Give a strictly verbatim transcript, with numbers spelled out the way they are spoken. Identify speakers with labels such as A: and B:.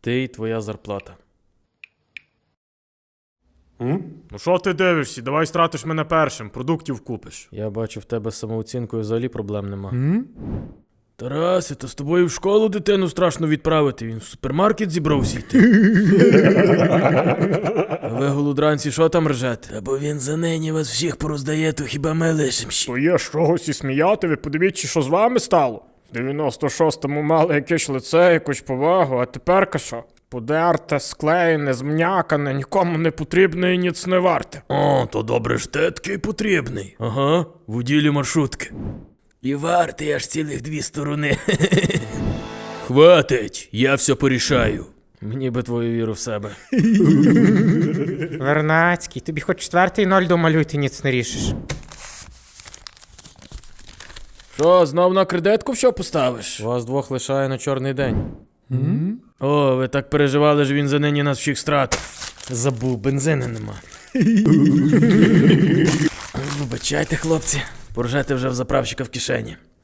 A: Ти і твоя зарплата.
B: М? Ну що ти дивишся? Давай стратиш мене першим, продуктів купиш.
A: Я бачу, в тебе з самооцінкою взагалі проблем нема.
B: М?
A: Тарасе, то з тобою в школу дитину страшно відправити, він в супермаркет зібрався йти. А ви, голодранці, що там ржете? Та бо він за нині вас всіх пороздає, то хіба ми лишим ще.
B: То є з чогось і сміяти, ви подивіться, що з вами стало. В дев'яносто шостому мали якесь лице, якусь повагу, а тепер що? Подерте, склеєне, змнякане, нікому не потрібне і ніц не варте.
A: О, то добре ж ти такий потрібний. Ага, в уділі маршрутки. І вартий аж цілих дві сторони. Хватить, я все порішаю. Мені би твою віру в себе.
C: Вернацький, тобі хоч четвертий ноль домалюй, ти ніц не рішиш.
A: Що, знов на кредитку що поставиш? Вас двох лишає на чорний день. Mm-hmm. О, ви так переживали, що він за нині нас всіх стратив. Забув, бензину нема. Вибачайте, хлопці, поржете вже в заправщика в кишені.